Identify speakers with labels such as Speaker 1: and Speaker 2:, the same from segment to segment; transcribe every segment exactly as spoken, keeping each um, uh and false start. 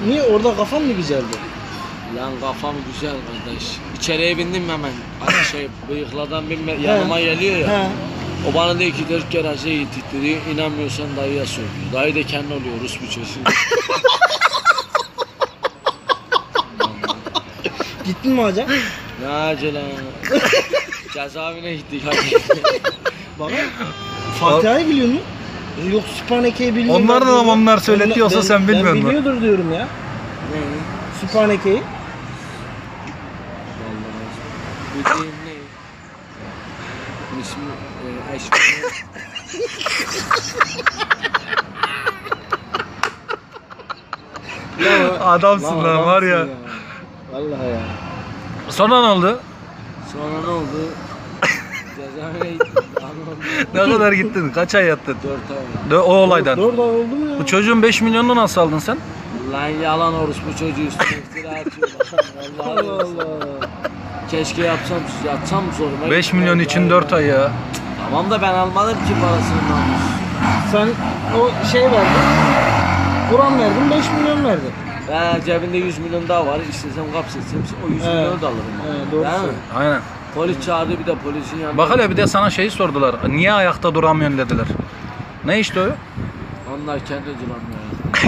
Speaker 1: Niye? Orada kafan mı güzeldi?
Speaker 2: Lan kafam güzel kardeş. İçeriye bindim hemen. Hani şey bıyıkladan binme yanıma geliyor ya.
Speaker 1: He.
Speaker 2: O bana dedi ki dört kere hacıya gittik dedi. İnanmıyorsan dayıya sor diyor. Dayı da kendi oluyor Rus bu çocuğu.
Speaker 1: Gittin mi hocam?
Speaker 2: Ne acele. Cezaevine gittik hadi.
Speaker 1: Baba. Fatiha'yı biliyor musun? Yok Sübhaneke'yi biliyor musun?
Speaker 3: Onlar da onlar söyletiyorsa
Speaker 1: Ben-
Speaker 3: sen bilmiyor
Speaker 1: Ben
Speaker 3: musun?
Speaker 1: biliyordur diyorum ya.
Speaker 2: Ne?
Speaker 1: Sübhaneke'yi.
Speaker 2: Vallahi. Bildiğin ne? İsmi e, eşmi.
Speaker 3: Adamsın lan var ya.
Speaker 2: Vallahi ya.
Speaker 3: Sonra ne oldu?
Speaker 2: Sonra ne oldu? Cezaevine gittik.
Speaker 3: Ne kadar gittin? Kaç ay yattın?
Speaker 2: dört ay.
Speaker 3: De, o olaydan.
Speaker 1: Dört ay oldu mu ya?
Speaker 3: Bu çocuğun beş milyonunu nasıl aldın sen?
Speaker 2: Lan yalan orospu çocuğu üstüne iftira atıyorlar. Vallahi
Speaker 1: Allah Allah.
Speaker 2: keşke yapsam yatsam zoruma.
Speaker 3: beş
Speaker 2: gitti.
Speaker 3: milyon için dört ay ya.
Speaker 2: Tamam da ben almadım ki parasını namus.
Speaker 1: Sen o şey verdin. Kur'an verdin, beş milyon verdin.
Speaker 2: Ben cebinde yüz milyon daha var. İstesem kapsetsem o yüz
Speaker 1: Evet.
Speaker 2: milyonu da alırım.
Speaker 1: Evet, doğru
Speaker 2: Değil mi?
Speaker 1: söylüyorsun.
Speaker 3: Aynen.
Speaker 2: Polis çağırdı bir de polisin yanına.
Speaker 3: Bak hele bir de sana şeyi sordular. Niye ayakta duramıyorsun dediler. Ne işte o?
Speaker 2: Onlar kendi duramıyor.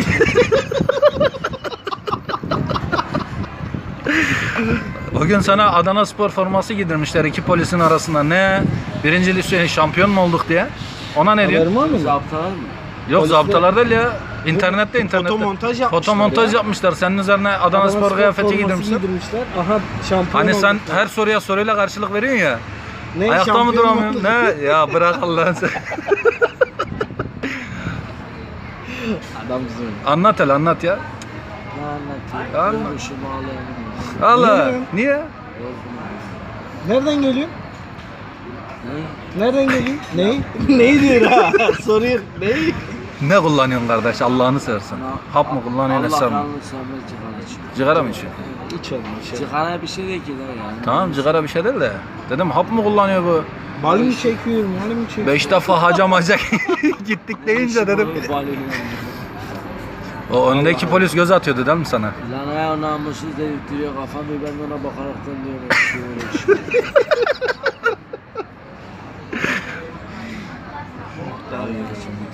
Speaker 3: O gün sana Adana Spor forması giydirmişler iki polisin arasında. Ne? Birinci lise şampiyon mu olduk diye. Ona ne diyor?
Speaker 1: Haberin var mı?
Speaker 2: Zaptalar mı?
Speaker 3: Yok
Speaker 1: Polisler-
Speaker 3: zabıtalar değil ya. İnternette internette.
Speaker 1: Fotomontaj yapmışlar
Speaker 3: Fotomontaj
Speaker 1: ya.
Speaker 3: yapmışlar. Senin üzerine Adana,
Speaker 1: Adana
Speaker 3: Spor kıyafeti
Speaker 1: forması
Speaker 3: giydirmişler.
Speaker 1: giydirmişler. Aha şampiyon
Speaker 3: Hani sen
Speaker 1: olduk.
Speaker 3: her soruya soruyla karşılık veriyorsun ya.
Speaker 1: Ne,
Speaker 3: Ayakta mı
Speaker 1: şampiyon
Speaker 3: duramıyorsun?
Speaker 1: olduk.
Speaker 3: Ne? Ya bırak Allah'ını sen.
Speaker 1: Adamsın.
Speaker 3: Anlat hele anlat ya.
Speaker 2: Ne anlatayım?
Speaker 3: Anlat.
Speaker 2: Yormuşum ağlayamıyorum.
Speaker 3: Allah.
Speaker 1: Niye?
Speaker 3: Niye?
Speaker 2: Yorgunum.
Speaker 1: Nereden geliyorsun?
Speaker 2: Ne?
Speaker 1: Nereden geliyorsun? Neyi? Neyi diyor ha? Soruyor. Neyi?
Speaker 3: Ne kullanıyorsun kardeş Allah'ını seversen? Hap mı kullanıyorsun
Speaker 2: Allah
Speaker 3: hesap mı?
Speaker 2: kanlı sevmez sigara içiyor.
Speaker 3: Sigara mı içiyorsun?
Speaker 1: İç olmuş ya.
Speaker 2: Sigara bir şey değil ki lan yani.
Speaker 3: Tamam sigara bir şey değil de. Dedim hap mı kullanıyor bu?
Speaker 1: Mal mı çekiyor? Mal mı çekiyor?
Speaker 3: Beş defa haca maca gittik deyince dedim. O öndeki polis göz atıyordu değil mi sana?
Speaker 2: Lan ayağı namussuz dedirtiyor kafamı ben ona bakaraktan diyorum.